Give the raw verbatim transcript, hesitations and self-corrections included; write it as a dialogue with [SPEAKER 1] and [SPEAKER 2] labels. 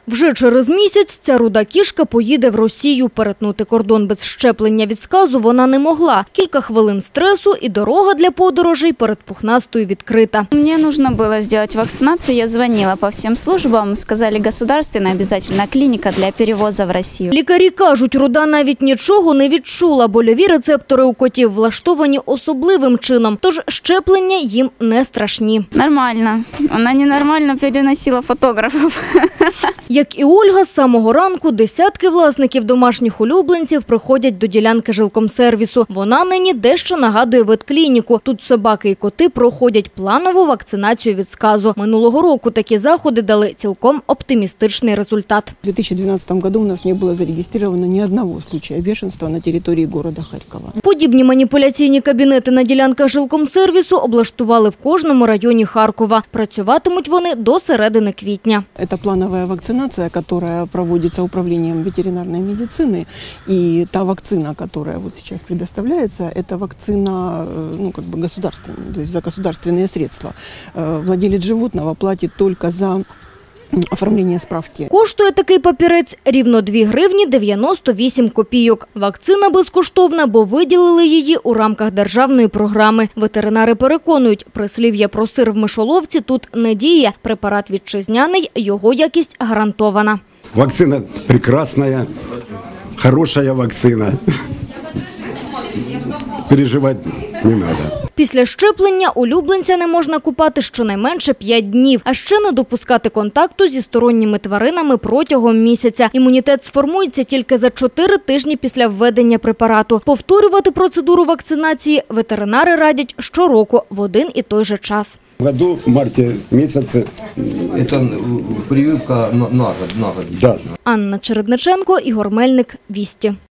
[SPEAKER 1] Вже через місяць ця руда кішка поїде в Росію. Перетнути кордон без щеплення від сказу вона не могла. Кілька хвилин стресу і дорога для подорожей перед пухнастою відкрита.
[SPEAKER 2] Мне нужно было сделать вакцинацию. Я звонила по всем службам. Сказали, государственная обязательно клиника для перевоза в Россию.
[SPEAKER 1] Лікарі кажуть, руда навіть нічого не відчула. Больові рецептори у котів влаштовані особливим чином. Тож щеплення їм не страшні.
[SPEAKER 2] Нормально. Она ненормально переносила фотографов.
[SPEAKER 1] Як і Ольга, з самого ранку десятки власників домашніх улюбленців приходять до ділянки жилкомсервісу. Вона нині дещо нагадує ветклініку. Тут собаки і коти проходять планову вакцинацію від сказу. Минулого року такі заходи дали цілком оптимістичний результат.
[SPEAKER 3] В две тысячи двенадцатом году у нас не было зарегистрировано ни одного случая бешенства на территории города Харькова.
[SPEAKER 1] Подібні маніпуляційні кабінети на ділянках жилкомсервісу облаштували в кожному районі Харкова. Працюватимуть вони до середини квітня.
[SPEAKER 3] Это плановая вакцинация, которая проводится управлением ветеринарной медицины. И та вакцина, которая вот сейчас предоставляется, это вакцина, ну, как бы государственная, то есть за государственные средства. Владелец животного платит только за оформлення справки.
[SPEAKER 1] Коштує такий папірець рівно дві гривні дев'яносто вісім копійок. Вакцина безкоштовна, бо виділили її у рамках державної програми. Ветеринари переконують, прислів'я про сир в мишоловці тут не діє. Препарат вітчизняний, його якість гарантована.
[SPEAKER 4] Вакцина прекрасная, хорошая вакцина. Переживать не надо.
[SPEAKER 1] Після щеплення улюбленця не можна купати щонайменше п'ять днів, а ще не допускати контакту зі сторонніми тваринами протягом місяця. Імунітет сформується тільки за чотири тижні після введення препарату. Повторювати процедуру вакцинації ветеринари радять щороку в один і той же час.
[SPEAKER 4] В году, в марте месяце.
[SPEAKER 5] Это прививка на, на год. На год.
[SPEAKER 4] Да.
[SPEAKER 1] Анна Чередниченко, Ігор Мельник, Вісті.